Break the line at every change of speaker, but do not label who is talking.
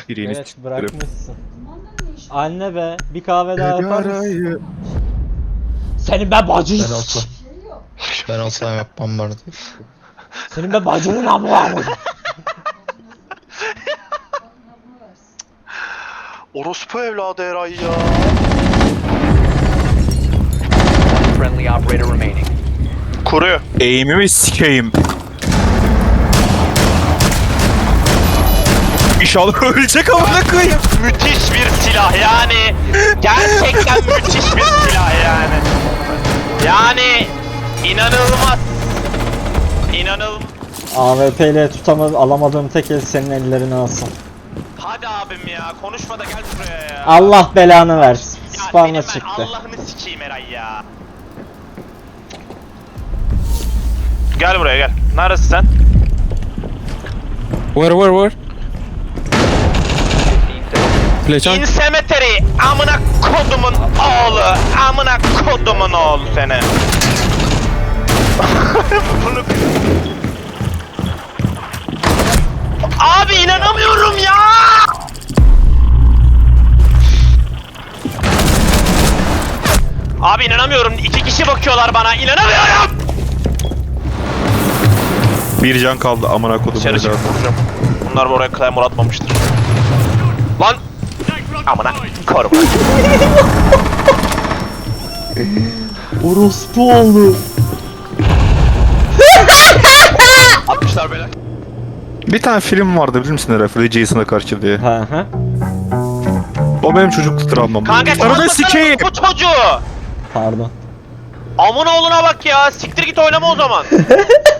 Birini
Evet
s**tirim.
bırakmışsın. Anne be bir kahve daha yapar mısın?
Sigarayı.
Senin be bacın.
Ben olsam yapmam vardı.
Senin be bacının amı var.
Orospu evladı Eray ya.
Friendly operator remaining.
Kuruyor.
Eğimimi sikeyim. İnşallah ölecek amına koyayım.
Müthiş bir silah yani. Gerçekten müthiş bir silah yani. Yani inanılmaz. İnanılmaz.
AWP ile alamadığım tek el senin ellerini alsın.
Hadi abim ya konuşma da gel buraya ya.
Allah belanı versin.
Ya
Spamla
senin ben
çıktı.
Allah'ını sikeyim Eray ya. Gel buraya gel. Neredesin sen?
Where? Fleçan.
In cemetery. Amına kodumun oğlu. Amına kodumun oğlu seni. Bunu... Abi inanamıyorum ya. Abi inanamıyorum. 2 kişi bakıyorlar bana. İnanamıyorum.
Bir can kaldı amına kodum.
Dışarı çıkıp vuracağım. Bunlar buraya claymore atmamıştır. Lan! Amına korum.
Orospu oldu.
Atmışlar böyle.
Bir tane film vardı bilir misin herhalde Jason'a karşı diye.
Hı hı.
O benim çocukluk travmam.
Kanka
Arada
çalmasana
sikeyim.
bu çocuğu.
Pardon.
Amına oğluna bak ya. Siktir git oynama o zaman.